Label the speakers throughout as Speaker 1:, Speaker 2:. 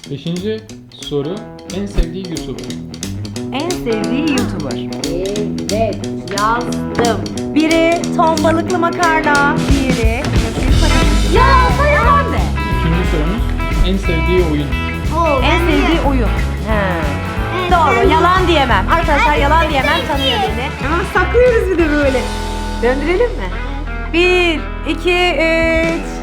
Speaker 1: Beşinci soru. En sevdiği YouTuber.
Speaker 2: En sevdiği YouTuber.
Speaker 3: Evet.
Speaker 2: Yazdım. Biri ton balıklı makarna, diğeri yalansa yalan de.
Speaker 1: İkinci sorumuz. En sevdiği oyun.
Speaker 2: En sevdiği oyun. He. Doğru, yalan diyemem. Arkadaşlar yalan diyemem, tanıyor beni. Ama saklıyoruz bir de böyle. Döndürelim mi? 1, 2, 3.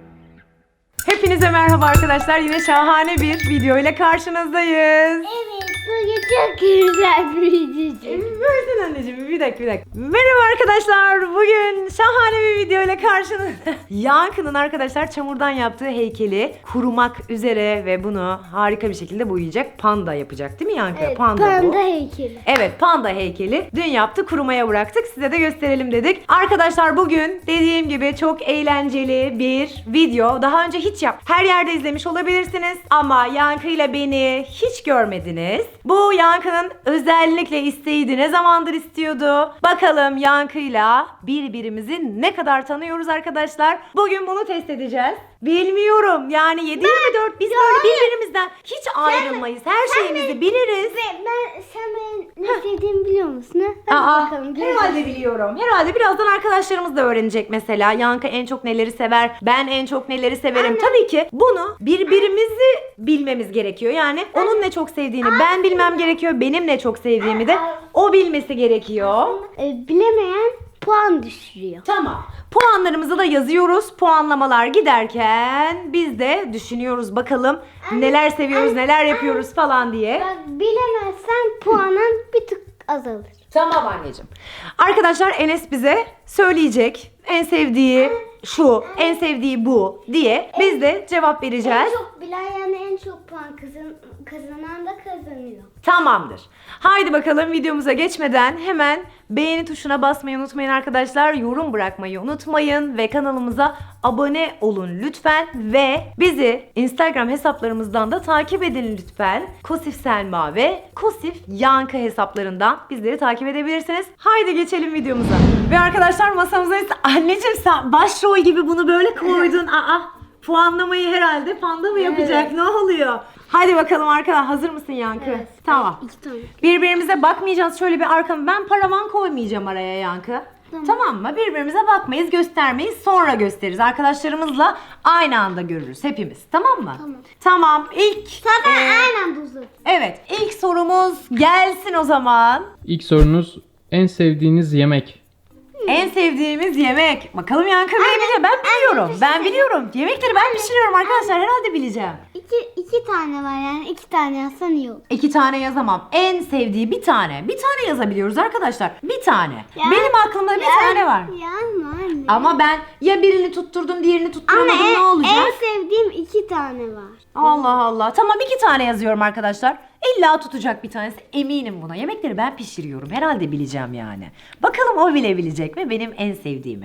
Speaker 2: Hepinize merhaba arkadaşlar. Yine şahane bir video ile karşınızdayız.
Speaker 3: Evet, bugün çok güzel bir video.
Speaker 2: Versin anneciğim, bir dakika. Merhaba arkadaşlar. Bugün şahane bir video ile karşınızda. Yankı'nın arkadaşlar çamurdan yaptığı heykeli kurumak üzere ve bunu harika bir şekilde boyayacak. Panda yapacak değil mi Yankı?
Speaker 3: Evet,
Speaker 2: Panda bu.
Speaker 3: heykeli.
Speaker 2: Evet, panda heykeli. Dün yaptı, kurumaya bıraktık. Size de gösterelim dedik. Arkadaşlar bugün dediğim gibi çok eğlenceli bir video. Daha önce hiç her yerde izlemiş olabilirsiniz. Ama Yankı ile beni hiç görmediniz. Bu Yankı'nın özellikle isteğiydi. Ne zamandır istiyordu. Bakalım Yankı'yla birbirimizi ne kadar tanıyoruz arkadaşlar. Bugün bunu test edeceğiz. Bilmiyorum. Yani 7/24 biz böyle birbirimizden hiç ayrılmayız. Her şeyimizi biliriz.
Speaker 3: Sen benim ne sevdiğimi biliyor musun? Hadi bakalım.
Speaker 2: Herhalde biliyorum. Herhalde birazdan arkadaşlarımız da öğrenecek mesela. Yankı en çok neleri sever, ben en çok neleri severim. Tabii ki bunu birbirimizi bilmemiz gerekiyor. Yani onun ne çok sevdiğini ben bilmem gerekiyor. Benim ne çok sevdiğimi de o bilmesi gerekiyor.
Speaker 3: Bilemeyen puan düşürüyor.
Speaker 2: Tamam. Puanlarımızı da yazıyoruz. Puanlamalar giderken biz de düşünüyoruz bakalım neler seviyoruz, neler yapıyoruz falan diye.
Speaker 3: Bak, bilemezsen puanın bir tık azalır.
Speaker 2: Tamam anneciğim. Arkadaşlar Enes bize söyleyecek. En sevdiği şu, en sevdiği bu diye biz de cevap vereceğiz.
Speaker 3: En çok bilen, yani en çok puan kazanan da kazanıyor.
Speaker 2: Tamamdır. Haydi bakalım videomuza geçmeden hemen beğeni tuşuna basmayı unutmayın arkadaşlar. Yorum bırakmayı unutmayın ve kanalımıza abone olun lütfen. Ve bizi Instagram hesaplarımızdan da takip edin lütfen. Kosif Selma ve Kosif Yankı hesaplarından bizleri takip edebilirsiniz. Haydi geçelim videomuza. Ve arkadaşlar masamıza anneciğim sen başrol gibi bunu böyle koydun. Puanlamayı herhalde panda mı yapacak?
Speaker 3: Evet.
Speaker 2: Ne oluyor? Hadi bakalım arkadaşlar, hazır mısın Yankı?
Speaker 3: Evet.
Speaker 2: Tamam.
Speaker 3: İki tane.
Speaker 2: Birbirimize bakmayacağız, şöyle bir arkamı. Ben paravan koymayacağım araya Yankı. Tamam mı? Birbirimize bakmayız, göstermeyiz. Sonra gösteririz. Arkadaşlarımızla aynı anda görürüz hepimiz. Tamam mı?
Speaker 3: Tamam.
Speaker 2: Tamam.
Speaker 3: Zaten aynen anda uzat.
Speaker 2: Evet. İlk sorumuz gelsin o zaman.
Speaker 1: İlk sorunuz. En sevdiğiniz yemek.
Speaker 2: En sevdiğimiz yemek. Bakalım Yankı bilebilecek. Ben biliyorum. Ben biliyorum. Yemekleri ben pişiriyorum arkadaşlar. Herhalde bileceğim.
Speaker 3: İki tane var, yani iki tane yazsan iyi olur.
Speaker 2: 2 tane yazamam. En sevdiği bir tane. Bir tane yazabiliyoruz arkadaşlar. Bir tane.
Speaker 3: Ya-
Speaker 2: Benim aklımda bir tane var.
Speaker 3: Yani anne.
Speaker 2: Ama ben ya birini tutturdum, diğerini tutturamadım,
Speaker 3: Ama
Speaker 2: ne olacak?
Speaker 3: en sevdiğim iki tane var.
Speaker 2: Allah Allah. Tamam 2 tane yazıyorum arkadaşlar. İlla tutacak bir tanesi. Eminim buna. Yemekleri ben pişiriyorum. Herhalde bileceğim yani. Bakalım o bilebilecek mi benim en sevdiğimi.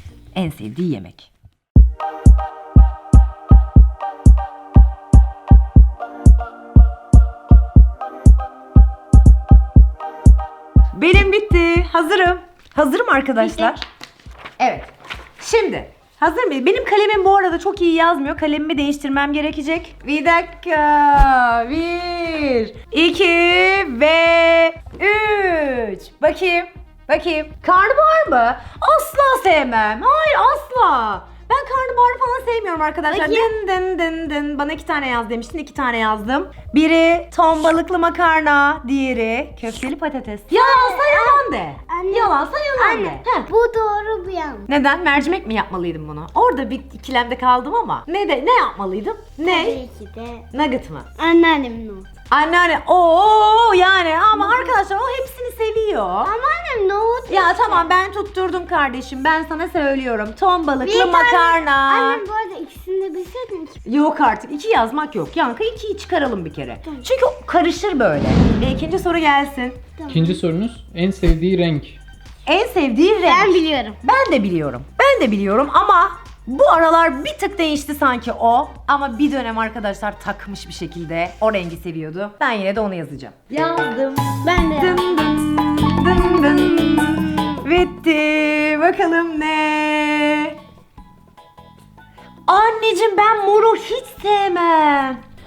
Speaker 2: En sevdiği yemek. Benim bitti. Hazırım. Hazırım arkadaşlar.
Speaker 3: Bitti.
Speaker 2: Evet. Şimdi hazır mıyız? Benim kalemim bu arada çok iyi yazmıyor. Kalemimi değiştirmem gerekecek. Bir dakika. 1, 2 ve 3. Bakayım. Karnabahar mı? Asla sevmem. Hayır asla. Ben karnabahar falan sevmiyorum arkadaşlar.
Speaker 3: Bakayım.
Speaker 2: Dın. Bana 2 tane yaz demiştin. 2 tane yazdım. Biri ton balıklı makarna. Diğeri köfteli patates. Yalansa yalan de.
Speaker 3: Anne.
Speaker 2: Yalansa yalan de.
Speaker 3: Anne,
Speaker 2: Heh.
Speaker 3: bu doğru bu yanlış.
Speaker 2: Neden? Mercimek mi yapmalıydım bunu? Orada bir ikilemde kaldım ama. Ne yapmalıydım? Ne?
Speaker 3: Tabii ki de
Speaker 2: Nugget mı?
Speaker 3: anneannemin nohut.
Speaker 2: Anneanne. Oo yani ama arkadaşlar o hepsini seviyor.
Speaker 3: Ama annem nohut.
Speaker 2: Ya tamam ben tutturdum kardeşim. Ben sana söylüyorum. Ton balıklı
Speaker 3: Bir tane-
Speaker 2: makarna.
Speaker 3: Annem bu arada ikisini de bilseydin iki.
Speaker 2: Yok artık 2 yazmak yok. Yankı 2'yi çıkaralım bir kere.
Speaker 3: Tamam.
Speaker 2: Çünkü o karışır böyle. İkinci soru gelsin.
Speaker 3: Tamam.
Speaker 1: İkinci sorunuz. En sevdiği renk.
Speaker 2: En sevdiği renk.
Speaker 3: Ben biliyorum.
Speaker 2: Ben de biliyorum ama bu aralar bir tık değişti sanki o. Ama bir dönem arkadaşlar takmış bir şekilde o rengi seviyordu. Ben yine de onu yazacağım. Yazdım.
Speaker 3: Ben de.
Speaker 2: Dın dın. Bitti. Bakalım ne? Anneciğim ben moru hiç sevmem.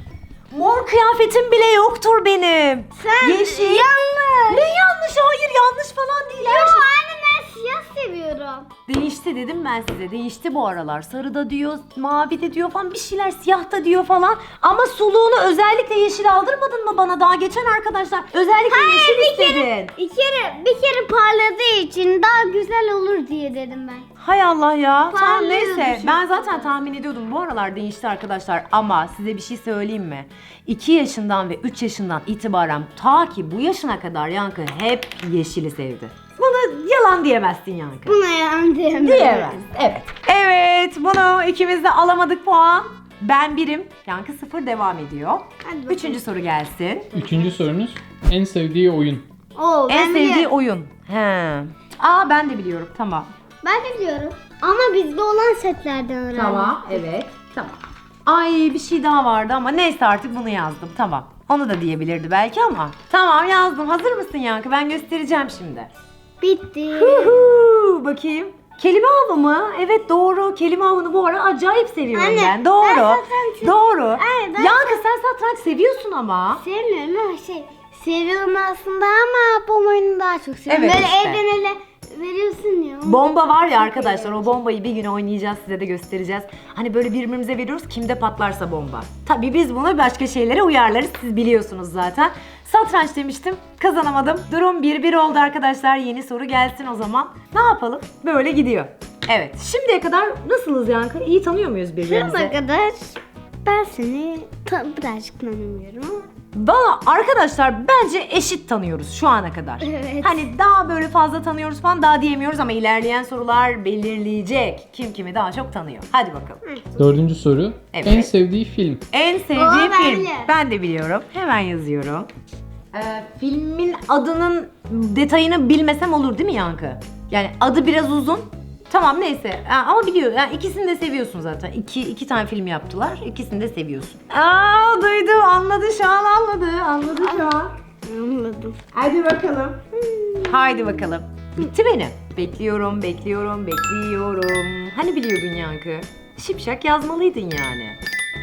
Speaker 2: Mor kıyafetim bile yoktur benim.
Speaker 3: Sen
Speaker 2: Yeşil.
Speaker 3: yanlış.
Speaker 2: Ne yanlış? Hayır, yanlış falan değil.
Speaker 3: Yo
Speaker 2: Her şey-
Speaker 3: anne ben siyah seviyorum.
Speaker 2: Değişti dedim ben size. Değişti bu aralar. Sarı da diyor, mavi de diyor falan, bir şeyler, siyah da diyor falan. Ama suluğunu özellikle yeşil aldırmadın mı bana daha geçen arkadaşlar? Özellikle yeşil istedin.
Speaker 3: Bir kere parladığı için daha güzel olur diye dedim ben.
Speaker 2: Hay Allah ya. Tamam
Speaker 3: Parlıyor
Speaker 2: neyse.
Speaker 3: düşün.
Speaker 2: Ben zaten tahmin ediyordum. Bu aralar değişti arkadaşlar. Ama size bir şey söyleyeyim mi? 2 yaşından ve 3 yaşından itibaren ta ki bu yaşına kadar Yankı hep yeşili sevdi. Bunu yalan diyemezsin Yankı.
Speaker 3: Buna yan diyemem.
Speaker 2: Diyemez. Evet. Evet. Bunu ikimiz de alamadık puan. Ben 1'im. Yankı 0 devam ediyor.
Speaker 3: Hadi bakalım.
Speaker 2: 3. soru gelsin.
Speaker 1: 3. sorunuz en sevdiği oyun.
Speaker 3: Oo,
Speaker 2: En
Speaker 3: ben
Speaker 2: sevdiği
Speaker 3: biliyorum.
Speaker 2: oyun. He. Aa ben de biliyorum. Tamam.
Speaker 3: Ben de biliyorum. Ama bizde olan setlerden öğrendim.
Speaker 2: Tamam, evet. Tamam. Ay bir şey daha vardı ama neyse artık bunu yazdım. Tamam. Onu da diyebilirdi belki ama. Tamam yazdım. Hazır mısın Yankı? Ben göstereceğim şimdi.
Speaker 3: Bitti.
Speaker 2: Huhu, bakayım. Kelime avı mı? Evet doğru. Kelime avını bu ara acayip seviyorum
Speaker 3: Anne,
Speaker 2: ben. Doğru.
Speaker 3: ben satranç-
Speaker 2: Doğru.
Speaker 3: Ay, ben
Speaker 2: Yankı sen satranç seviyorsun ama.
Speaker 3: Sevmiyorum ama seviyorum aslında ama bu oyunu daha çok seviyorum.
Speaker 2: Evet
Speaker 3: Böyle
Speaker 2: işte.
Speaker 3: elden ele veriyorsun ya.
Speaker 2: Bomba var ya arkadaşlar, o bombayı bir gün oynayacağız, size de göstereceğiz. Hani böyle birbirimize veriyoruz, kimde patlarsa bomba. Tabii biz bunu başka şeylere uyarlarız, siz biliyorsunuz zaten. Satranç demiştim, kazanamadım. Durum 1-1 oldu arkadaşlar. Yeni soru gelsin o zaman. Ne yapalım? Böyle gidiyor. Evet, şimdiye kadar nasılız Yankı? İyi tanıyor muyuz birbirimizi?
Speaker 3: Şuna kadar ben seni birazcık tanımıyorum ama.
Speaker 2: Valla arkadaşlar bence eşit tanıyoruz şu ana kadar.
Speaker 3: Evet.
Speaker 2: Hani daha böyle fazla tanıyoruz falan daha diyemiyoruz ama ilerleyen sorular belirleyecek. Kim kimi daha çok tanıyor. Hadi bakalım.
Speaker 1: 4. soru
Speaker 2: Evet.
Speaker 1: en sevdiği film.
Speaker 2: En sevdiği
Speaker 3: ben
Speaker 2: film.
Speaker 3: biliyorum.
Speaker 2: Ben de biliyorum. Hemen yazıyorum. Filmin adının detayını bilmesem olur değil mi Yankı? Yani adı biraz uzun. Tamam neyse ama biliyor. Yani ikisini de seviyorsun zaten. İki tane film yaptılar. İkisini de seviyorsun. Aa duydu, anladı şu an anladı. Anladı şu an.
Speaker 3: Anladım.
Speaker 2: Hadi bakalım. Haydi bakalım. Bitti benim. Bekliyorum, bekliyorum, bekliyorum. Hani biliyordun Yankı? Şipşak yazmalıydın yani.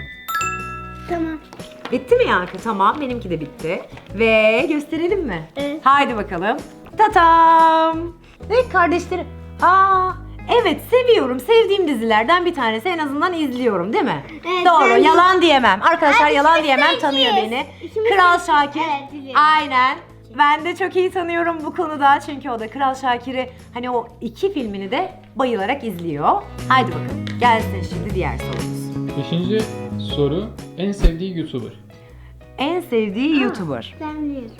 Speaker 3: Tamam.
Speaker 2: Bitti mi Yankı? Tamam, benimki de bitti. Ve gösterelim mi?
Speaker 3: Evet.
Speaker 2: Haydi bakalım. Tatam. Ve kardeşleri. Aa, evet seviyorum. Sevdiğim dizilerden bir tanesi. En azından izliyorum değil mi?
Speaker 3: Evet,
Speaker 2: Doğru.
Speaker 3: ben de-
Speaker 2: Yalan diyemem. Arkadaşlar
Speaker 3: Ay,
Speaker 2: yalan
Speaker 3: ikimiz
Speaker 2: diyemem.
Speaker 3: de
Speaker 2: Tanıyor
Speaker 3: ikiyiz.
Speaker 2: beni.
Speaker 3: İkimiz de
Speaker 2: Kral
Speaker 3: ikiyiz.
Speaker 2: Şakir.
Speaker 3: Evet, biliyorum.
Speaker 2: Aynen. Ben de çok iyi tanıyorum bu konuda. Çünkü o da Kral Şakir'i hani o 2 filmini de bayılarak izliyor. Haydi bakalım. Gelsin şimdi diğer sorumuz.
Speaker 1: 5. soru en sevdiği YouTuber.
Speaker 2: En sevdiği YouTuber.
Speaker 3: Ben biliyorum.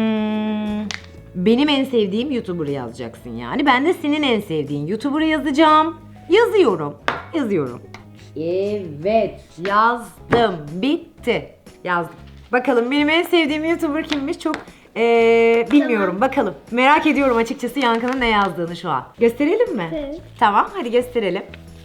Speaker 2: Benim en sevdiğim YouTuber'ı yazacaksın yani. Ben de senin en sevdiğin YouTuber'ı yazacağım. Yazıyorum. Yazıyorum. Evet. Yazdım. Bitti. Yazdım. Bakalım benim en sevdiğim YouTuber kimmiş? Çok bilmiyorum. Bakalım. Merak ediyorum açıkçası Yankı'nın ne yazdığını şu an. Gösterelim mi?
Speaker 3: Evet.
Speaker 2: Tamam. Hadi gösterelim.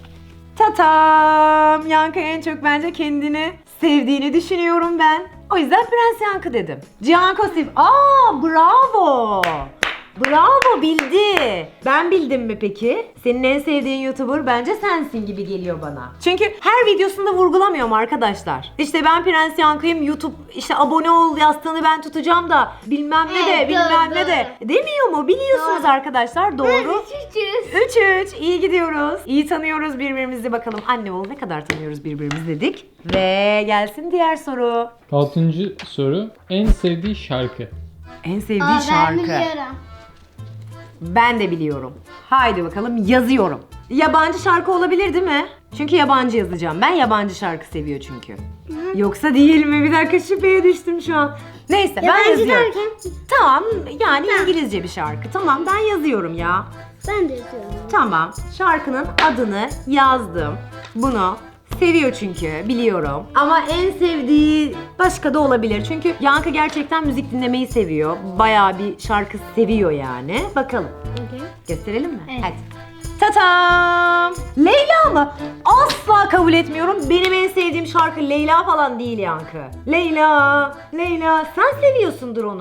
Speaker 2: Tatam! Yankı en çok bence kendini sevdiğini düşünüyorum ben. O yüzden Prens Yankı dedim. Cihan Kosif. Aa bravo! Bravo bildi. Ben bildim mi peki? Senin en sevdiğin YouTuber bence sensin gibi geliyor bana. Çünkü her videosunda vurgulamıyorum arkadaşlar. İşte ben Prens Yankı'yım, YouTube işte abone ol yastığını ben tutacağım da bilmem ne de
Speaker 3: Evet,
Speaker 2: bilmem
Speaker 3: doğru,
Speaker 2: ne de. Demiyor mu? Biliyorsunuz
Speaker 3: Doğru.
Speaker 2: arkadaşlar. Doğru.
Speaker 3: 300.
Speaker 2: 3-3. İyi gidiyoruz. İyi tanıyoruz birbirimizi. Bakalım anne oğul ne kadar tanıyoruz birbirimizi dedik. Ve gelsin diğer soru.
Speaker 1: 6. soru en sevdiği şarkı.
Speaker 2: En sevdiği
Speaker 3: Ben
Speaker 2: şarkı.
Speaker 3: biliyorum.
Speaker 2: Ben de biliyorum. Haydi bakalım yazıyorum. Yabancı şarkı olabilir değil mi? Çünkü yabancı yazacağım. Ben yabancı şarkı seviyor çünkü. Yoksa değil mi? Bir dakika şüpheye düştüm şu an. Neyse ben
Speaker 3: Yabancı
Speaker 2: yazıyorum.
Speaker 3: derken?
Speaker 2: Tamam yani İngilizce bir şarkı. Tamam ben yazıyorum ya.
Speaker 3: Ben de yazıyorum.
Speaker 2: Tamam. Şarkının adını yazdım. Bunu seviyor çünkü biliyorum. Ama en sevdiği başka da olabilir. Çünkü Yankı gerçekten müzik dinlemeyi seviyor. Bayağı bir şarkı seviyor yani. Bakalım.
Speaker 3: Okay.
Speaker 2: Gösterelim mi?
Speaker 3: Evet.
Speaker 2: Hadi. Tatam! Leyla mı? Asla kabul etmiyorum. Benim en sevdiğim şarkı Leyla falan değil Yankı. Leyla, Leyla. Sen seviyorsundur onu.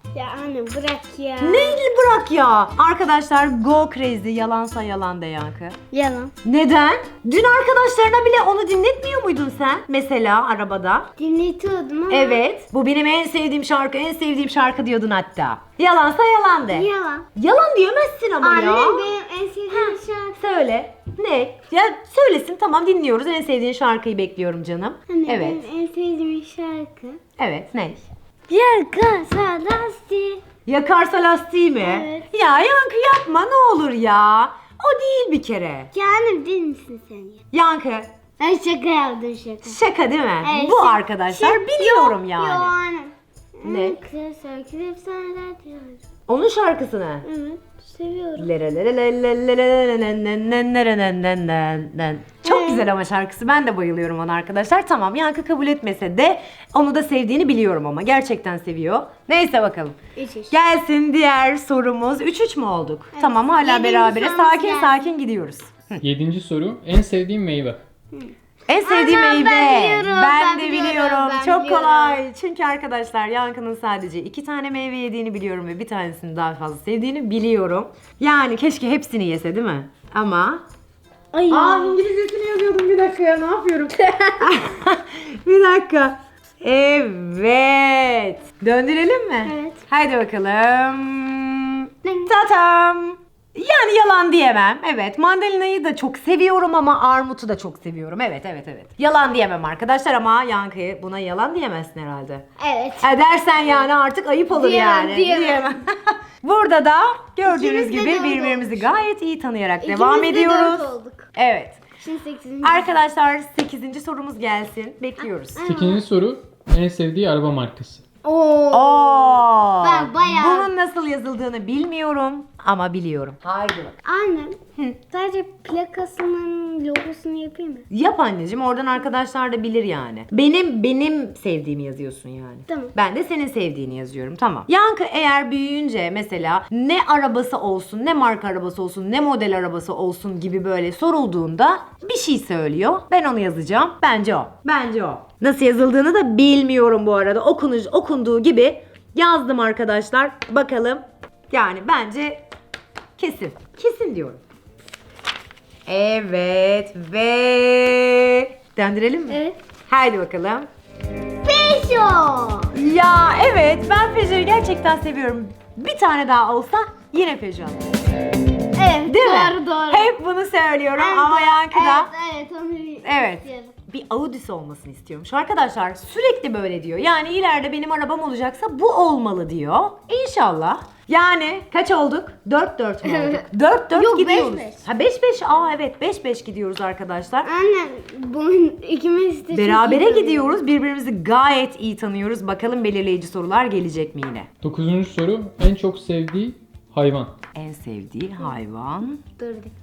Speaker 3: Ya anne bırak ya.
Speaker 2: Neyli bırak ya? Arkadaşlar go crazy, yalansa yalan de Yankı.
Speaker 3: Yalan.
Speaker 2: Neden? Dün arkadaşlarına bile onu dinletmiyor muydun sen? Mesela arabada.
Speaker 3: Dinletiyordum ama.
Speaker 2: Evet. Bu benim en sevdiğim şarkı, en sevdiğim şarkı diyordun hatta. Yalansa yalan de.
Speaker 3: Yalan.
Speaker 2: Yalan diyemezsin ama
Speaker 3: Anne
Speaker 2: ya.
Speaker 3: benim en sevdiğim şarkı.
Speaker 2: Söyle. Ne? Ya söylesin, tamam, dinliyoruz. En sevdiğin şarkıyı bekliyorum canım.
Speaker 3: Anne
Speaker 2: Evet.
Speaker 3: benim en sevdiğim şarkı.
Speaker 2: Evet, ne?
Speaker 3: Yakasa lastik.
Speaker 2: Yakarsa lastiği mi?
Speaker 3: Evet.
Speaker 2: Ya Yankı yapma ne olur ya. O değil bir kere.
Speaker 3: Ya anne değil misin sen ya?
Speaker 2: Yankı
Speaker 3: Ben şaka yaptım şaka.
Speaker 2: şaka değil mi?
Speaker 3: Evet,
Speaker 2: Bu
Speaker 3: şaka.
Speaker 2: arkadaşlar biliyorum yani.
Speaker 3: Yo anne.
Speaker 2: Ne?
Speaker 3: Kısa şarkı efsaneler diyorum.
Speaker 2: Onun şarkısını.
Speaker 3: Evet seviyorum.
Speaker 2: Çok güzel ama şarkısı. Ben de bayılıyorum ona arkadaşlar. Tamam, Yankı kabul etmese de onu da sevdiğini biliyorum ama. Gerçekten seviyor. Neyse bakalım.
Speaker 3: 3-3.
Speaker 2: Gelsin diğer sorumuz. 3-3 mü olduk? Tamam, hala
Speaker 3: Yedinci
Speaker 2: beraberiz.
Speaker 3: sorumuz
Speaker 2: Sakin
Speaker 3: gelsin.
Speaker 2: sakin gidiyoruz.
Speaker 1: 7. soru. En sevdiğin meyve.
Speaker 2: En sevdiğim
Speaker 3: Anam,
Speaker 2: meyve.
Speaker 3: ben biliyorum,
Speaker 2: Ben
Speaker 3: ben
Speaker 2: de
Speaker 3: biliyorum,
Speaker 2: biliyorum.
Speaker 3: ben
Speaker 2: Çok
Speaker 3: biliyorum.
Speaker 2: kolay. Çünkü arkadaşlar Yankı'nın sadece 2 tane meyve yediğini biliyorum ve bir tanesini daha fazla sevdiğini biliyorum. Yani keşke hepsini yese değil mi? Ama...
Speaker 3: Ay.
Speaker 2: İngilizcesini yazıyordum, bir dakika ya, ne yapıyorum? Bir dakika. Evet. Döndürelim mi?
Speaker 3: Evet.
Speaker 2: Haydi bakalım. Tatam. Yani yalan diyemem. Evet, mandalinayı da çok seviyorum ama armutu da çok seviyorum. Evet. Yalan diyemem arkadaşlar ama Yankı'ya buna yalan diyemezsin herhalde.
Speaker 3: Evet.
Speaker 2: Dersen yani artık ayıp olur
Speaker 3: Diyemem,
Speaker 2: yani.
Speaker 3: diyemem.
Speaker 2: Burada da gördüğünüz
Speaker 3: İkimiz de
Speaker 2: gibi
Speaker 3: dört
Speaker 2: birbirimizi
Speaker 3: olmuş.
Speaker 2: gayet iyi tanıyarak devam
Speaker 3: İkimiz de
Speaker 2: ediyoruz.
Speaker 3: 4 olduk.
Speaker 2: Evet.
Speaker 3: Şimdi 8.
Speaker 2: Arkadaşlar 8. sorumuz gelsin. Bekliyoruz.
Speaker 1: 8. soru. En sevdiği araba markası.
Speaker 2: Oo.
Speaker 3: Ben bayağı-
Speaker 2: Bunun nasıl yazıldığını bilmiyorum ama biliyorum. Haydi bak.
Speaker 3: Annem sadece plakasının logosunu yapayım mı?
Speaker 2: Yap anneciğim, oradan arkadaşlar da bilir yani. Benim sevdiğimi yazıyorsun yani.
Speaker 3: Tamam.
Speaker 2: Ben de senin sevdiğini yazıyorum, tamam. Yankı eğer büyüyünce mesela ne arabası olsun, ne marka arabası olsun, ne model arabası olsun gibi böyle sorulduğunda bir şey söylüyor. Ben onu yazacağım. Bence o. Bence o. Nasıl yazıldığını da bilmiyorum bu arada. Okunduğu gibi yazdım arkadaşlar. Bakalım. Yani bence kesin. Kesin diyorum. Evet ve döndürelim mi?
Speaker 3: Evet.
Speaker 2: Haydi bakalım.
Speaker 3: Peşo.
Speaker 2: Ya evet, ben Peugeot'u gerçekten seviyorum. Bir tane daha olsa yine Peugeot.
Speaker 3: Evet.
Speaker 2: Değil
Speaker 3: doğru,
Speaker 2: mi?
Speaker 3: Doğru.
Speaker 2: Hep bunu söylüyorum
Speaker 3: Evet,
Speaker 2: ama
Speaker 3: doğru.
Speaker 2: Yankı da
Speaker 3: Evet onu
Speaker 2: Evet.
Speaker 3: istiyorum.
Speaker 2: bir Audi'si olmasını istiyormuş. Arkadaşlar sürekli böyle diyor. Yani ileride benim arabam olacaksa bu olmalı diyor. İnşallah. Yani kaç olduk? 4-4 mü olduk? 4-4
Speaker 3: Yok,
Speaker 2: gidiyoruz.
Speaker 3: 5-5.
Speaker 2: Ha 5-5. Aa evet, 5-5 gidiyoruz arkadaşlar.
Speaker 3: Anne bunun ikimiz de çok
Speaker 2: Berabere
Speaker 3: iyi
Speaker 2: gidiyoruz. Birbirimizi gayet iyi tanıyoruz. Bakalım belirleyici sorular gelecek mi yine?
Speaker 1: 9. soru. En çok sevdiği hayvan.
Speaker 2: En sevdiği hayvan.
Speaker 3: tanıyoruz. Dur.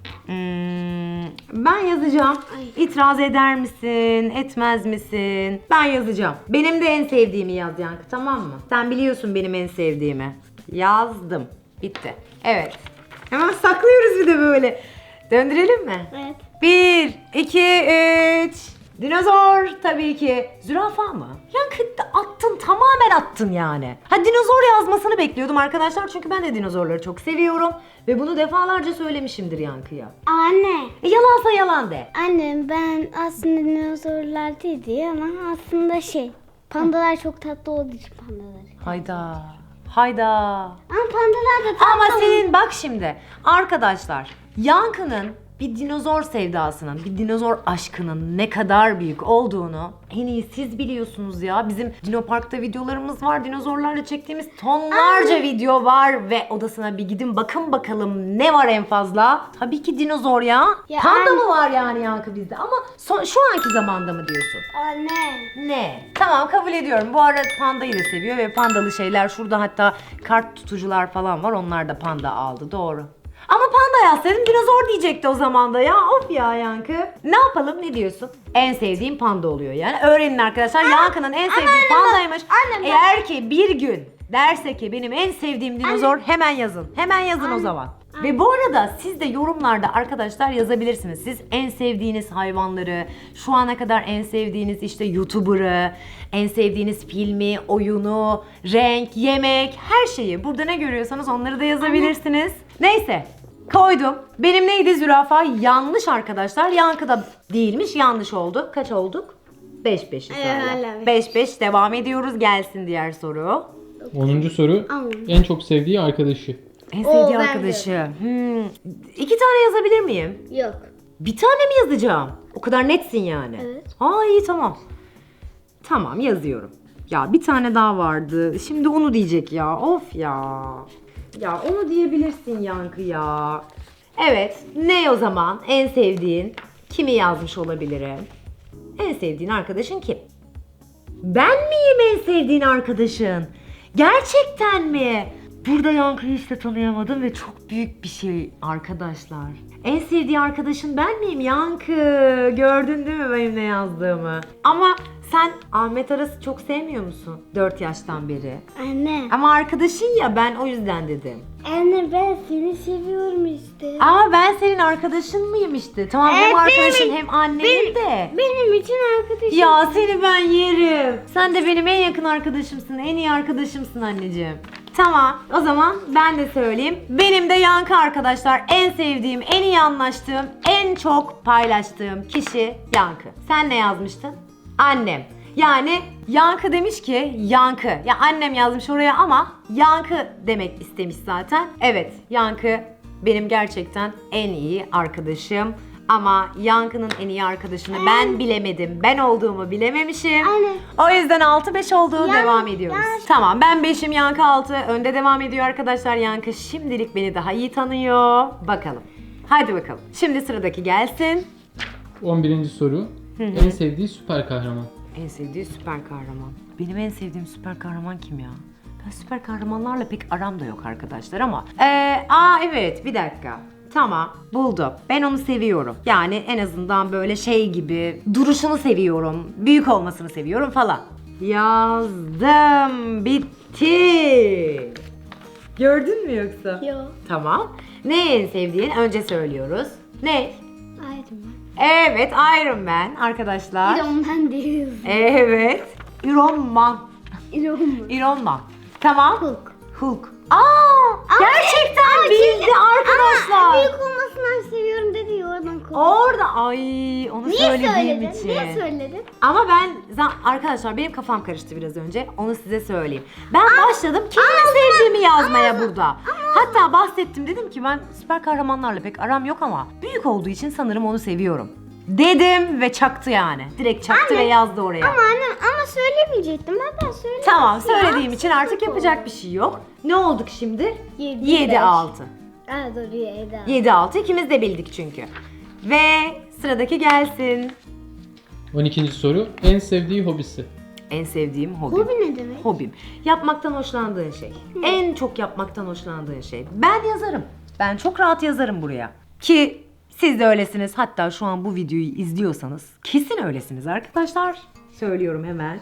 Speaker 2: Ben yazacağım.
Speaker 3: Ay.
Speaker 2: İtiraz eder misin? Etmez misin? Ben yazacağım. Benim de en sevdiğimi yaz Yankı, tamam mı? Sen biliyorsun benim en sevdiğimi. Yazdım. Bitti. Evet. Hemen saklıyoruz bir de böyle. Döndürelim mi?
Speaker 3: Evet.
Speaker 2: 1, 2, 3. Dinozor tabii ki. Zürafa mı? Yankı attın, tamamen attın yani. Ha, dinozor yazmasını bekliyordum arkadaşlar çünkü ben de dinozorları çok seviyorum. Ve bunu defalarca söylemişimdir Yankı'ya.
Speaker 3: Anne.
Speaker 2: Yalansa yalan de.
Speaker 3: Anne ben aslında dinozorlar değil ama aslında pandalar çok tatlı olduğu için pandalar.
Speaker 2: Hayda.
Speaker 3: Ama pandalar da tatlı.
Speaker 2: Ama senin bak şimdi arkadaşlar, Yankı'nın bir dinozor sevdasının, bir dinozor aşkının ne kadar büyük olduğunu en iyi siz biliyorsunuz ya. Bizim Dinopark'ta videolarımız var. Dinozorlarla çektiğimiz tonlarca video var ve odasına bir gidin bakın bakalım ne var en fazla. Tabii ki dinozor ya.
Speaker 3: Ya
Speaker 2: Panda
Speaker 3: anne.
Speaker 2: mı var yani Yankı bizde? Ama şu anki zamanda mı diyorsun?
Speaker 3: Anne.
Speaker 2: Ne? Tamam, kabul ediyorum. Bu arada pandayı da seviyor ve pandalı şeyler şurada, hatta kart tutucular falan var. Onlar da panda aldı. Doğru. Ama panda yazsaydın dinozor diyecekti o zaman da ya. Of ya Yankı. Ne yapalım, ne diyorsun? En sevdiğim panda oluyor yani. Öğrenin arkadaşlar. Yankı'nın en sevdiği pandaymış. Eğer ki bir gün derse ki benim en sevdiğim dinozor, hemen yazın. Hemen yazın o zaman. Ve bu arada siz de yorumlarda arkadaşlar yazabilirsiniz. Siz en sevdiğiniz hayvanları, şu ana kadar en sevdiğiniz işte YouTuber'ı, en sevdiğiniz filmi, oyunu, renk, yemek, her şeyi. Burada ne görüyorsanız onları da yazabilirsiniz. Neyse. Koydum. Benim neydi zürafa? Yanlış arkadaşlar. Yankı da değilmiş. Yanlış oldu. Kaç olduk? 5-5'iz hala.
Speaker 3: hala
Speaker 2: 5-5 devam ediyoruz. Gelsin diğer soru.
Speaker 1: 10. soru.
Speaker 3: Tamam.
Speaker 1: En çok sevdiği arkadaşı.
Speaker 2: En sevdiği
Speaker 3: ben
Speaker 2: arkadaşı. 2 tane yazabilir miyim?
Speaker 3: Yok.
Speaker 2: Bir tane mi yazacağım? O kadar netsin yani.
Speaker 3: Evet.
Speaker 2: Aa iyi tamam. Tamam yazıyorum. Ya bir tane daha vardı. Şimdi onu diyecek ya. Of ya. Ya onu diyebilirsin Yankı ya. Evet. Ne o zaman? En sevdiğin? Kimi yazmış olabilirim? En sevdiğin arkadaşın kim? Ben miyim en sevdiğin arkadaşın? Gerçekten mi? Burada Yankı'yı hiç de tanıyamadım ve çok büyük bir şey arkadaşlar. En sevdiği arkadaşın ben miyim Yankı? Gördün değil mi benim ne yazdığımı? Ama sen Ahmet Aras'ı çok sevmiyor musun? 4 yaştan beri.
Speaker 3: Anne.
Speaker 2: Ama arkadaşın ya ben o yüzden dedim.
Speaker 3: Anne ben seni seviyorum işte.
Speaker 2: Ama ben senin arkadaşın mıyım işte? Tamam hem
Speaker 3: Evet,
Speaker 2: arkadaşın
Speaker 3: benim-
Speaker 2: hem annenin de.
Speaker 3: Benim için arkadaşım.
Speaker 2: Ya seni ben yerim. Sen de benim en yakın arkadaşımsın, en iyi arkadaşımsın anneciğim. Tamam, o zaman ben de söyleyeyim. Benim de Yankı arkadaşlar. En sevdiğim, en iyi anlaştığım, en çok paylaştığım kişi Yankı. Sen ne yazmıştın? Annem. Yani Yankı demiş ki Yankı. Ya annem yazmış oraya ama Yankı demek istemiş zaten. Evet, Yankı benim gerçekten en iyi arkadaşım. Ama Yankı'nın en iyi arkadaşını ben bilemedim. Ben olduğumu bilememişim.
Speaker 3: Aynen.
Speaker 2: O yüzden 6-5 oldu. Devam ediyoruz.
Speaker 3: yanlış.
Speaker 2: Tamam ben 5'im Yankı 6. Önde devam ediyor arkadaşlar. Yankı şimdilik beni daha iyi tanıyor. Bakalım. Hadi bakalım. Şimdi sıradaki gelsin.
Speaker 1: 11. soru. En sevdiği süper kahraman.
Speaker 2: En sevdiği süper kahraman. Benim en sevdiğim süper kahraman kim ya? Ben süper kahramanlarla pek aram da yok arkadaşlar ama. Evet bir dakika. Tamam buldum. Ben onu seviyorum. Yani en azından böyle şey gibi duruşunu seviyorum. Büyük olmasını seviyorum falan. Yazdım. Bitti. Gördün mü yoksa?
Speaker 3: Yok.
Speaker 2: Tamam. Ne en sevdiğin? Önce söylüyoruz. Ne?
Speaker 3: Iron Man.
Speaker 2: Evet Iron Man arkadaşlar.
Speaker 3: Iron Man değil.
Speaker 2: Evet. Iron Man.
Speaker 3: Iron Man.
Speaker 2: Iron Man. Tamam.
Speaker 3: Hulk.
Speaker 2: Hulk. Gerçekten bildi arkadaşlar.
Speaker 3: Büyük olmasından seviyorum dedi ya oradan korktum.
Speaker 2: Orada ay onu
Speaker 3: Niye
Speaker 2: söylediğim
Speaker 3: söyledin?
Speaker 2: için.
Speaker 3: Niye söyledin?
Speaker 2: Ama ben arkadaşlar benim kafam karıştı biraz önce. Onu size söyleyeyim. Ben başladım kimi sevdiğimi yazmaya burada. Hatta bahsettim dedim ki ben süper kahramanlarla pek aram yok ama büyük olduğu için sanırım onu seviyorum. Dedim ve çaktı yani. Direkt çaktı ve yazdı oraya.
Speaker 3: Ama annem ama söylemeyecektim. Ben söyledim.
Speaker 2: Tamam söylediğim için artık yapacak bir şey yok. Ne olduk şimdi? 7-6.
Speaker 3: Aa doğru 7.
Speaker 2: 7-6 ikimiz de bildik çünkü. Ve sıradaki gelsin.
Speaker 1: 12. soru. En sevdiği hobisi.
Speaker 2: En sevdiğim hobim.
Speaker 3: Hobi ne demek?
Speaker 2: Hobim. Yapmaktan hoşlandığın şey. En çok yapmaktan hoşlandığın şey. Ben yazarım. Ben çok rahat yazarım buraya. Ki siz de öylesiniz. Hatta şu an bu videoyu izliyorsanız kesin öylesiniz arkadaşlar. Söylüyorum hemen.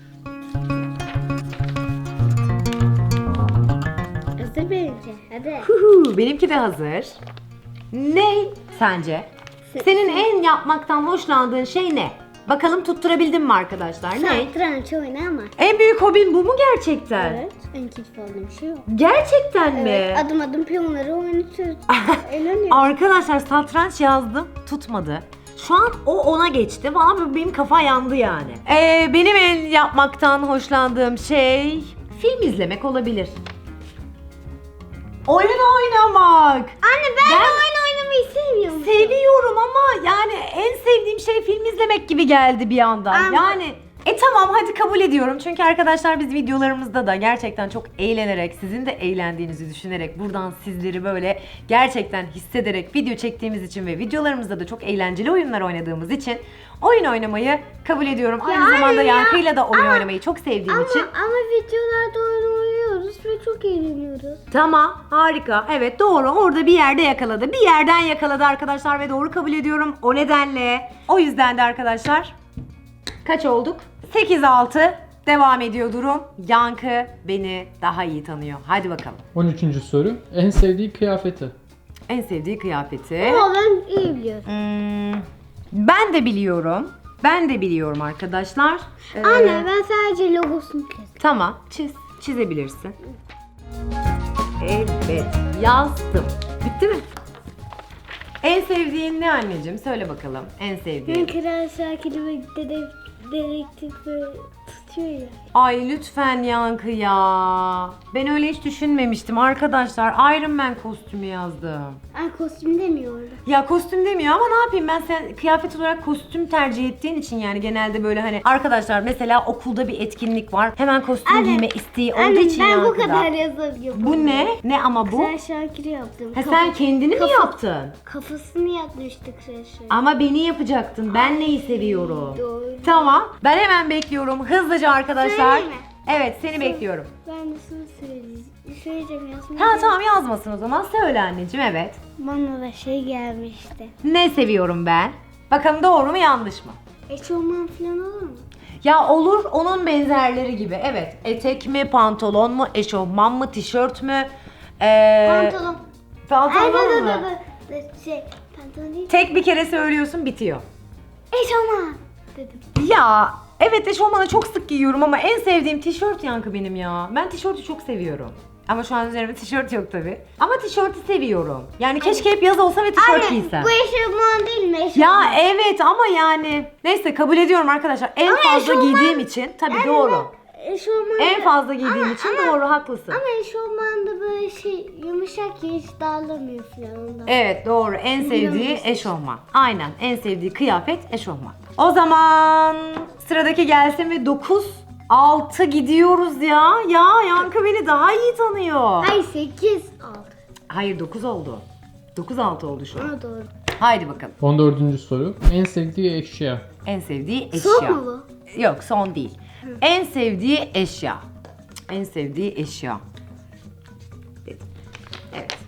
Speaker 3: Hazır benimki. Hadi.
Speaker 2: Benimki de hazır. Ne sence? Senin en yapmaktan hoşlandığın şey ne? Bakalım tutturabildin mi arkadaşlar? Ne?
Speaker 3: Satranç oynamak.
Speaker 2: En büyük hobin bu mu gerçekten?
Speaker 3: Evet. En keyif aldığım şey o.
Speaker 2: Gerçekten mi?
Speaker 3: Evet. Adım adım piyonları oynatıyoruz. Eğleniyorum.
Speaker 2: Arkadaşlar satranç yazdım tutmadı. Şu an o ona geçti. Valla benim kafa yandı yani. Benim en yapmaktan hoşlandığım şey film izlemek olabilir. Oyun oynamak.
Speaker 3: Anne ben oyun oynamayı seviyorum.
Speaker 2: Seviyorum ama yani en sevdiğim şey film izlemek gibi geldi bir anda.
Speaker 3: Ama-
Speaker 2: Yani tamam hadi kabul ediyorum. Çünkü arkadaşlar biz videolarımızda da gerçekten çok eğlenerek, sizin de eğlendiğinizi düşünerek buradan sizleri böyle gerçekten hissederek video çektiğimiz için ve videolarımızda da çok eğlenceli oyunlar oynadığımız için oyun oynamayı kabul ediyorum. Aynı
Speaker 3: anne
Speaker 2: zamanda
Speaker 3: ya.
Speaker 2: Yankı'yla da oyun oynamayı çok sevdiğim için.
Speaker 3: Ama videolarda oyun oynuyoruz ve çok eğleniyoruz.
Speaker 2: Tamam, harika. Evet doğru. Orada bir yerde yakaladı. Bir yerden yakaladı arkadaşlar ve doğru kabul ediyorum. O nedenle. O yüzden de arkadaşlar kaç olduk? 8-6 devam ediyor durum. Yankı beni daha iyi tanıyor. Hadi bakalım.
Speaker 1: 13. soru. En sevdiği kıyafeti.
Speaker 2: En sevdiği kıyafeti.
Speaker 3: Ama ben iyi biliyorum.
Speaker 2: Ben de biliyorum. Ben de biliyorum arkadaşlar.
Speaker 3: Anne ben sadece logosunu çizdim.
Speaker 2: Tamam, çizebilirsin. Evet, yazdım. Bitti mi? En sevdiğin ne anneciğim? Söyle bakalım. En sevdiğin.
Speaker 3: Ben Kral Şakir'i ve dedektif böyle tutuyor ya.
Speaker 2: Ay lütfen Yankı ya. Ben öyle hiç düşünmemiştim arkadaşlar. Iron Man kostümü yazdım.
Speaker 3: Ay kostüm demiyor orada.
Speaker 2: Ya kostüm demiyor ama ne yapayım, ben sen kıyafet olarak kostüm tercih ettiğin için yani genelde böyle hani arkadaşlar mesela okulda bir etkinlik var. Hemen kostüm giyme isteği olduğu
Speaker 3: Anne
Speaker 2: için
Speaker 3: ben bu
Speaker 2: Yankı'da.
Speaker 3: kadar yazabiliyorum.
Speaker 2: Bu ne? Ne ama bu?
Speaker 3: Kral Şakir'i yaptım.
Speaker 2: Ha, sen kendini mi yaptın?
Speaker 3: Kafasını yapmıştık Kral Şakir.
Speaker 2: Ama beni yapacaktın. Ben neyi seviyorum?
Speaker 3: Doğru.
Speaker 2: Tamam. Ben hemen bekliyorum. Hızlıca arkadaşlar.
Speaker 3: Söyleyeyim mi?
Speaker 2: Evet, seni bekliyorum.
Speaker 3: Ben de sana söyleyeceğim yazmayı.
Speaker 2: Ha tamam, yazmasın o zaman. Söyle anneciğim, evet.
Speaker 3: Bana da şey gelmişti.
Speaker 2: Ne seviyorum ben? Bakalım doğru mu yanlış mı?
Speaker 3: Eşofman falan olur mu?
Speaker 2: Ya olur, onun benzerleri gibi. Evet. Etek mi, pantolon mu, eşofman mı, tişört mü?
Speaker 3: Pantolon.
Speaker 2: Pantolon mu?
Speaker 3: Pantolon değil.
Speaker 2: Tek bir kere söylüyorsun, bitiyor.
Speaker 3: Eşofman dedim.
Speaker 2: Ya evet, eşofmanı çok sık giyiyorum ama en sevdiğim tişört Yankı benim ya. Ben tişörtü çok seviyorum. Ama şu an üzerimde tişört yok tabi. Ama tişörtü seviyorum. Yani keşke hep yaz olsa ve tişört giysem.
Speaker 3: Bu eşofman değil mi? Eşofman.
Speaker 2: Ya evet ama yani neyse, kabul ediyorum arkadaşlar. En
Speaker 3: Ama
Speaker 2: fazla
Speaker 3: eşofman-
Speaker 2: giydiğim için tabi doğru.
Speaker 3: Eşofman.
Speaker 2: En fazla giydiğim için doğru, haklısın.
Speaker 3: Ama eşofmanda böyle şey yumuşak ya, hiç dağılamıyor falan ondan.
Speaker 2: Evet doğru, en sevdiği eşofman. Aynen, en sevdiği kıyafet eşofman. O zaman sıradaki gelsin ve 9-6 gidiyoruz ya. Ya Yankı beni daha iyi tanıyor.
Speaker 3: Ay 8 aldı.
Speaker 2: Hayır, 9 oldu. 9-6 oldu şu an.
Speaker 3: Ona doğru.
Speaker 2: Haydi bakalım.
Speaker 1: 14. soru. En sevdiği eşya.
Speaker 2: En sevdiği eşya.
Speaker 3: Son mu bu?
Speaker 2: Yok, son değil. En sevdiği eşya. En sevdiği eşya. Dedim. Evet.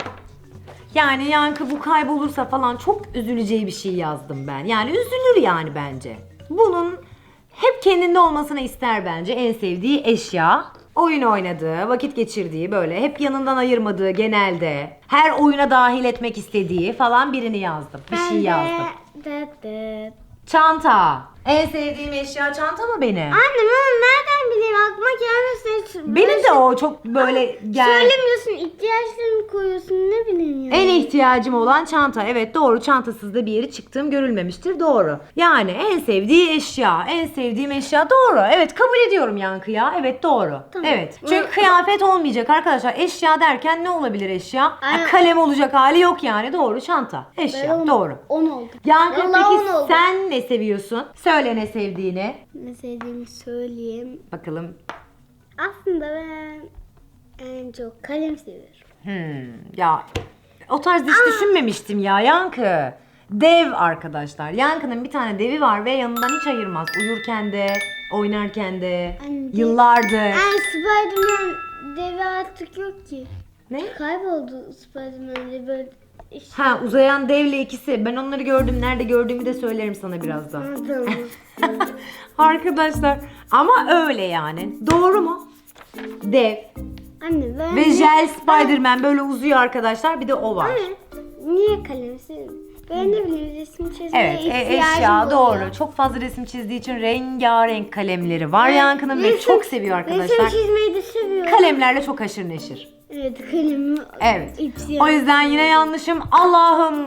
Speaker 2: Yani Yankı bu kaybolursa falan çok üzüleceği bir şey yazdım ben. Yani üzülür yani bence. Bunun hep kendinde olmasını ister bence en sevdiği eşya. Oyun oynadığı, vakit geçirdiği, böyle hep yanından ayırmadığı, genelde her oyuna dahil etmek istediği falan birini yazdım. Bir şey yazdım.
Speaker 3: De.
Speaker 2: Çanta. En sevdiğim eşya çanta mı benim?
Speaker 3: Anne ben nereden bileyim, aklıma gelmesin.
Speaker 2: Benim de o çok böyle
Speaker 3: Söylemiyorsun, ihtiyaçlarını koyuyorsun, ne bileyim ya.
Speaker 2: en ihtiyacım olan çanta. Evet doğru, çantasız da bir yere çıktığım görülmemiştir, doğru. Yani en sevdiği eşya, en sevdiğim eşya doğru. Evet, kabul ediyorum Yankı ya. Evet doğru.
Speaker 3: Tamam.
Speaker 2: Evet. Çünkü kıyafet olmayacak arkadaşlar. Eşya derken ne olabilir eşya? Ha,
Speaker 3: Aynen.
Speaker 2: kalem olacak hali yok yani, doğru, çanta. Eşya doğru.
Speaker 3: 10 oldu.
Speaker 2: Yankı
Speaker 3: Vallahi
Speaker 2: peki
Speaker 3: 10 oldu.
Speaker 2: sen ne seviyorsun? Söyle ne sevdiğini.
Speaker 3: Ne sevdiğimi söyleyeyim.
Speaker 2: Bakalım.
Speaker 3: Aslında ben en çok kalem seviyorum.
Speaker 2: Ya o tarz hiç düşünmemiştim ya Yankı. Dev arkadaşlar. Yankı'nın bir tane devi var ve yanından hiç ayırmaz. Uyurken de, oynarken de,
Speaker 3: Anne.
Speaker 2: yıllardır.
Speaker 3: Yani Spiderman devi artık yok ki.
Speaker 2: Ne?
Speaker 3: Kayboldu Spiderman böyle.
Speaker 2: Ha, uzayan devle ikisi. Ben onları gördüm. Nerede gördüğümü de söylerim sana birazdan.
Speaker 3: Tamam.
Speaker 2: Arkadaşlar ama öyle yani. Doğru mu? Dev.
Speaker 3: Anne ben
Speaker 2: Ve jel Spiderman böyle uzuyor arkadaşlar. Bir de o var.
Speaker 3: Anne, niye kalem seviyorum? Ben ne bileyim, resim çizmeye
Speaker 2: Evet,
Speaker 3: ihtiyacım
Speaker 2: eşya
Speaker 3: oluyor.
Speaker 2: doğru. Çok fazla resim çizdiği için rengarenk kalemleri var Yankı'nın ve
Speaker 3: Resim-
Speaker 2: çok seviyor arkadaşlar.
Speaker 3: Resim çizmeyi de seviyorum.
Speaker 2: Kalemlerle çok haşır neşir.
Speaker 3: Evet, kalemi.
Speaker 2: Evet.
Speaker 3: ihtiyacım.
Speaker 2: O yüzden yine yanlışım. Allah'ım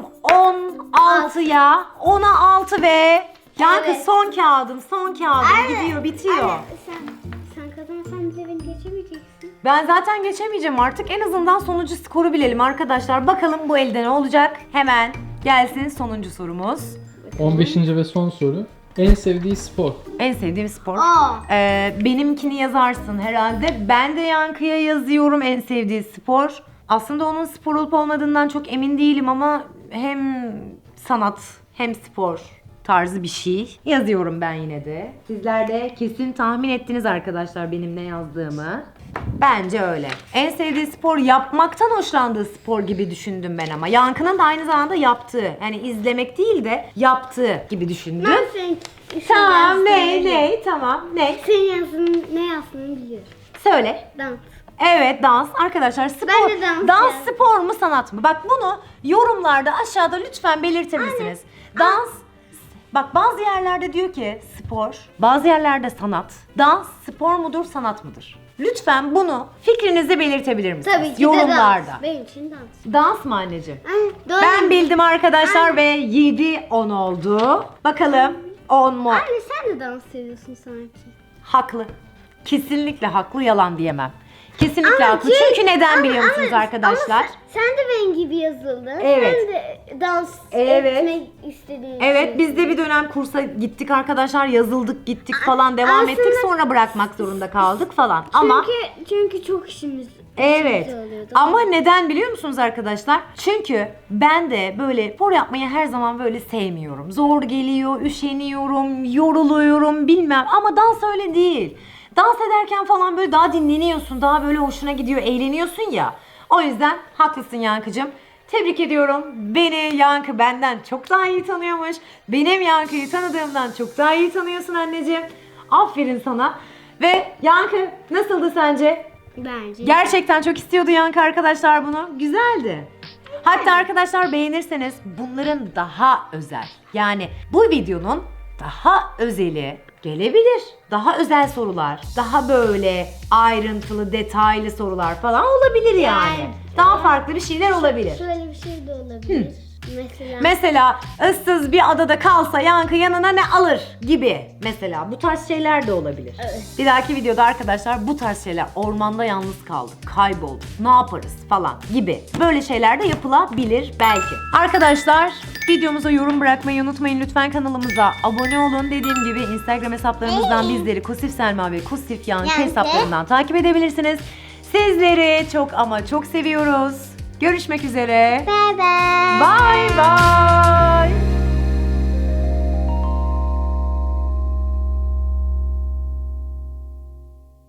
Speaker 2: 16'ya 10'a 6 ve Yankı
Speaker 3: Evet.
Speaker 2: son kağıdım, son kağıdım. Gidiyor, bitiyor.
Speaker 3: Anne, sen kazanırsan bile beni geçemeyeceksin.
Speaker 2: Ben zaten geçemeyeceğim artık. En azından sonuncu skoru bilelim arkadaşlar. Bakalım bu elde ne olacak? Hemen gelsin sonuncu sorumuz.
Speaker 1: 15. ve son soru. En sevdiği spor.
Speaker 2: En sevdiğim spor.
Speaker 3: Aa.
Speaker 2: Benimkini yazarsın herhalde. Ben de Yankı'ya yazıyorum en sevdiği spor. Aslında onun spor olup olmadığından çok emin değilim ama hem sanat hem spor tarzı bir şey yazıyorum ben yine de. Sizler de kesin tahmin ettiniz arkadaşlar benim ne yazdığımı. Bence öyle. En sevdiği spor, yapmaktan hoşlandığı spor gibi düşündüm ben ama. Yankı'nın da aynı zamanda yaptığı, yani izlemek değil de yaptığı gibi düşündüm.
Speaker 3: Ben senin
Speaker 2: Tamam,
Speaker 3: yazdığını biliyorum.
Speaker 2: tamam, ne?
Speaker 3: Senin yazdığını, ne yazdığını biliyorum.
Speaker 2: Söyle.
Speaker 3: Dans.
Speaker 2: Evet, dans. Arkadaşlar spor.
Speaker 3: Ben de dans
Speaker 2: Dans
Speaker 3: yani.
Speaker 2: spor mu sanat mı? Bak bunu yorumlarda aşağıda lütfen belirtir misiniz? Dans. Bak bazı yerlerde diyor ki spor, bazı yerlerde sanat. Dans spor mudur, sanat mıdır? Lütfen bunu fikrinizi belirtebilir misiniz?
Speaker 3: Tabii ki
Speaker 2: yorumlarda.
Speaker 3: de dans. Benim için dans.
Speaker 2: Dans mı anneciğim?
Speaker 3: Doğru.
Speaker 2: Ben bildim arkadaşlar ve 7-10 oldu. Bakalım 10 mu?
Speaker 3: Anne sen de dans seviyorsun sanki.
Speaker 2: Haklı. Kesinlikle haklı, yalan diyemem. Kesinlikle
Speaker 3: Ama
Speaker 2: haklı.
Speaker 3: şey-
Speaker 2: Çünkü neden biliyor
Speaker 3: ama-
Speaker 2: musunuz
Speaker 3: ama
Speaker 2: arkadaşlar?
Speaker 3: sen de benim gibi yazıldın.
Speaker 2: Evet.
Speaker 3: Sen de dans
Speaker 2: Evet.
Speaker 3: etmek istediğin
Speaker 2: Evet,
Speaker 3: için.
Speaker 2: biz de bir dönem kursa gittik arkadaşlar, yazıldık, gittik falan, devam
Speaker 3: aslında-
Speaker 2: ettik, sonra bırakmak zorunda kaldık falan. Ama
Speaker 3: Çünkü çok işimiz
Speaker 2: evet.
Speaker 3: oluyordu.
Speaker 2: Ama neden biliyor musunuz arkadaşlar? Çünkü ben de böyle spor yapmayı her zaman böyle sevmiyorum. Zor geliyor, üşeniyorum, yoruluyorum bilmem, ama dans öyle değil. Dans ederken falan böyle daha dinleniyorsun, daha böyle hoşuna gidiyor, eğleniyorsun ya. O yüzden haklısın Yankıcığım. Tebrik ediyorum. Beni Yankı benden çok daha iyi tanıyormuş. Benim Yankı'yı tanıdığımdan çok daha iyi tanıyorsun anneciğim. Aferin sana. Ve Yankı nasıldı sence?
Speaker 3: Bence.
Speaker 2: Gerçekten çok istiyordu Yankı arkadaşlar bunu. Güzeldi. Hatta arkadaşlar beğenirseniz bunların daha özel, yani bu videonun daha özeli gelebilir. Daha özel sorular, daha böyle ayrıntılı, detaylı sorular falan olabilir yani.
Speaker 3: Yani.
Speaker 2: Daha farklı bir şeyler olabilir.
Speaker 3: Şöyle bir şey de olabilir.
Speaker 2: Mesela ıssız bir adada kalsa Yankı yanına ne alır gibi. Mesela bu tarz şeyler de olabilir.
Speaker 3: Evet.
Speaker 2: Bir dahaki videoda arkadaşlar bu tarz şeyler, ormanda yalnız kaldık, kaybolduk, ne yaparız falan gibi böyle şeyler de yapılabilir belki. Arkadaşlar videomuza yorum bırakmayı unutmayın lütfen, kanalımıza abone olun. Dediğim gibi Instagram hesaplarımızdan bizleri Kusif Selma ve Kusif Yankı
Speaker 3: Yankı.
Speaker 2: hesaplarından takip edebilirsiniz. Sizleri çok ama çok seviyoruz. Görüşmek üzere.
Speaker 3: Bye bye.
Speaker 2: Bye bye.